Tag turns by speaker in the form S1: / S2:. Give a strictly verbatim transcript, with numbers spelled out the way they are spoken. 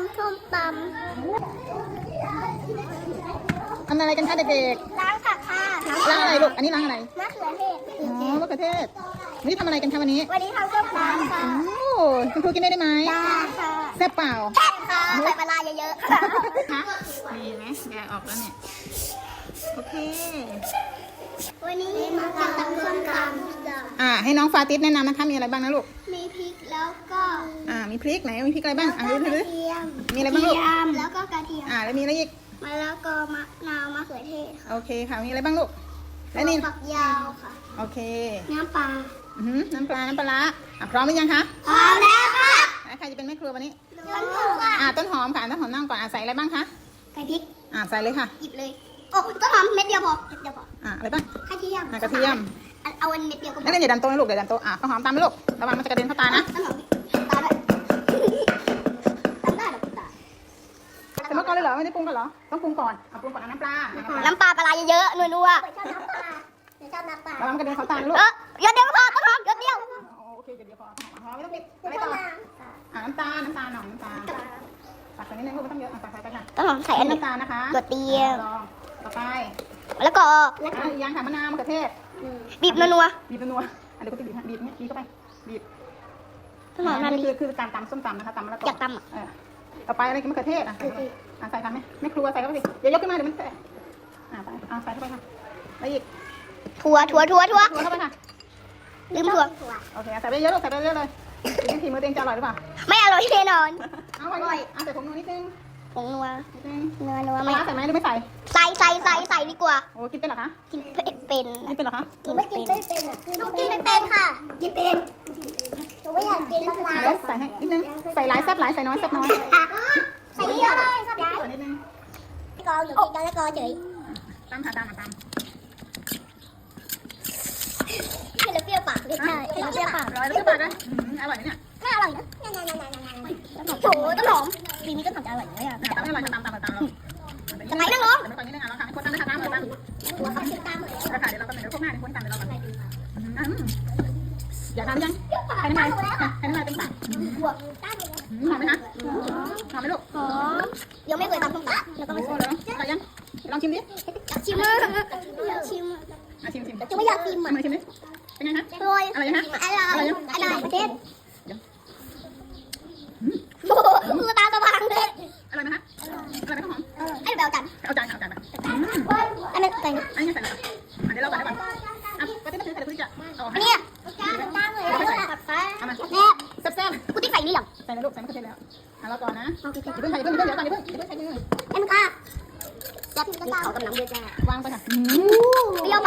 S1: ำส้มตำ
S2: ทำอะไรกันคะเด็ก
S1: ล้างผักค่ะ
S2: ๆล้างอะไรลูกอันนี้ล้างอะไร
S1: มะเขือเทศ
S2: อ๋อมะเขือเทศวันนี้ทำอะไรกันคะวันนี้
S1: วันนี้ทำส้มตำค่ะ
S2: โอ้คุณครูกินได้ไหม
S1: ได้ค่ะ
S2: แซ่บเปล่า
S1: แซ่บค่ะใส่ปลาร้าเยอะๆค่ะ
S2: คะดีไหมแกะออกแล้วเนี่ยโอเค
S1: วันนี้มาทำส้มตำ
S2: อ่าให้น้องฟาติสแนะนำนะคะมีอะไรบ้างนะลูก
S1: มีพริกแล้วก็
S2: อ่ามีพริกไหนมีพริกอะไรบ้างอ่าดู
S1: ก
S2: ดู
S1: ระเทียม
S2: มีอะไรบ้างลูก
S1: แล้วก็กระเทียม
S2: อ่าแล้วมีอะไรอีก
S1: มะละกอมะนาวมะเขือเทศค่ะ
S2: โอเคค่ะมีอะไรบ้างลูกและนี่
S1: ฝักยาวค่ะ
S2: โอเค
S1: น้ำปลา
S2: อือหือน้ำปลาน้ำปลาร้าอ่ะพร้อมหรือยังคะ
S1: พร้อมแล้วค่ะ
S2: แล้วใครจะเป็นแม่ครัววันนี้
S1: ต้นหอมค่ะ
S2: อ่าต้นหอมค่ะต้นหอมนั่งก่อนอ่าใส่อะไรบ้างคะ
S1: ไก่พริก
S2: อ่าใส่เลยค่ะ
S1: หยิบเลยโอ้ต้นหอมเม็ดเดียวพอเม็ดเดียวพอ
S2: อ่าอะไรบ้าง
S1: กระเทียม
S2: อ่ากระเทียม
S1: เอาอันเม็ดเดียวก็พ
S2: นัก
S1: อ
S2: เรียนอย่าดันโต๊ะนะลูกอย่าดันโต๊ะอ่ะต้นหอมตามไปลูกระวังมันจะกระเด็นเข้าตานะ
S1: ต้นหอมตาด้วยตามได้หรอตา
S2: ใส่มะกอกเลยเหรอไม่ได้ปรุงกันเหรอต้องปรุงก่อนเอาปรุงก่อนเอาน้ำปลาน้ำปลา
S1: น้ำปลาปลาเยอะๆนัวๆชอบน้ำปลาชอบน้ำปลา
S2: ระวังมันกระเด็นเข้าตานะลูก
S1: เออเยอะเดียวก็พอต้นหอมเยอะเดียว
S2: โอเคเดี๋ยวพอพอไม่ต้องปิดอะไรต่ออ่าน้ำตาลน้ำตาลหน่อยน้ำตาลตักใส่นิดนึงลูกไม่ต้องเยอะอ่ะตักใส่ไปค่ะ
S1: ต้นหอมใส่อันนี้
S2: น้ำตาลนะคะ
S1: กระเทียม
S2: ลองต่อไป
S1: แล้วก็
S2: อ่ะอีกอย่างค่ะมะนาวมะเขือเทศ
S1: บีบนัว
S2: บีบนัวๆอ่ะเดี๋ยวก็จะบีบให้บีบเนี่ยบีบเข้าไปบีบ
S1: ๆต้นหอมนั่น
S2: นี่
S1: นี่
S2: คือคือการตำส้มตำนะคะตำมะละกอ
S1: อยากตำอ่ะ
S2: เออต่อไปอะไรกินมะเขือเทศอ่ะอ่ะใส่ทำไหมไม่ครัวใส่เข้าไปสิอย่ายกขึ้นมาเดี๋ยวมันแตกอ่ะไปอ่ะใส่เข้าไปค่ะแล้วอีก
S1: ถั่วถั่วถั่วถั่ว
S2: ครัวเข้าไปค่ะ
S1: ลืมถั่ว
S2: โอเคใส่ไปเยอะลูกใส่ไปเยอะเลยดูทีมือตัวเองจะอร่อยหรือเปล่า
S1: ไม่อร่อยแน่นอน
S2: เอาอร่อยอ่ะใส่ผงนัวนิดนึง
S1: ผงนัว
S2: นิดนึง
S1: นัวนัว
S2: ป
S1: ไม่
S2: ลาใส่ไหมหรือไม่ใส่
S1: ใส่ใส่ใส่ใส่ดีกว่า
S2: โอ้กินเป็นเหรอคะ
S1: กินเป็นเป็น
S2: กินเป็นเหรอคะ
S1: กินไม่กินไม่เป็นหนูกินไม่เป็นค่ะ กินเป็นหนูไม่อยากกินมะนาว
S2: แล้วใส่ให้นิดนึงใส่หลายแซ่บหลายใส่น้อยแซ่บน้อย
S1: ใส่เยอะเลยสับย้าย
S2: ใส่นิดนึง
S1: กอหนูกินกันแล้วกอเฉย
S2: ตามค่ะตามค่ะตาม
S1: ให้เราเปรี้ยวปากเลยใช่ให้เราเปรี้ยวปาก
S2: ร้อยแล้วก็ปลาด้วยอร่อยเนี่ย
S1: ไม่อร่อยนะโถต้นหอมปีนี้ต้นหอมจะอร่อยไหมอ่ะ
S2: ตามไม่อร่อยก็ตามตามตามเรา
S1: จะไปนั่งลง
S2: เดี๋ยวก่อนนิดนึงอ่ะเราค่ะคนตามนะคะตามตาม
S1: หัวเขาติดตามเลย
S2: ราคาเดี๋ยวเราก็เดี๋ยวพวกหน้าเดี๋ยวคนตามเดี๋ยวเราก่อนอยากทานยังใครน้ำลายใครน้ำลายเป็นปาก
S1: หัวตามเลย
S2: หอมไหมคะหอมไหมลูก
S1: หอมยังไม่เคยทำส้มตำแล้วก็
S2: โอ้
S1: ไม่
S2: โหเหรออร่อยยังลองชิมดิ
S1: ชิมเลยชิม
S2: อ่ะชิมชิม
S1: จะไม่อยากกิน
S2: ชิม
S1: อ่ะ
S2: เลยชิมดิเป็นไงคะ
S1: อร่อย
S2: อร่อยยังคะ
S1: อร่อยอร่อยประเทศ
S2: เดี๋ยว
S1: โอ้โหมือตาสว่างเลย
S2: อร่อยไหมคะอร่อยไหมข้าวหอม
S1: ไอ้เบลกัน
S2: เอาจานเอาจานมา
S1: อันนั้นใส่
S2: อันนี้ใส่แล้วเดี๋ยวเราใส่ให้ก่อนอ่ะก็จะไม่ถือใส่คุณจะเอา
S1: อันนี้ตามเลยตัดซ้าย
S2: เอามา
S1: แม่
S2: แซ่บ
S1: กูติ๊กใส่นี่หรอ
S2: ๆใส่เลยลูกใส่มะเขือเทศแล้วอ่ะรอก่อนนะอย่าเพิ่งใส่เพิ่งเดี๋ยวก่อนอย่าเพิ่งอย่าเพิ่งใส่มือ
S1: เอ็มค่ะจับเขากำลังเยอะจ้าว
S2: างไปค่ะ
S1: เปรี้ยว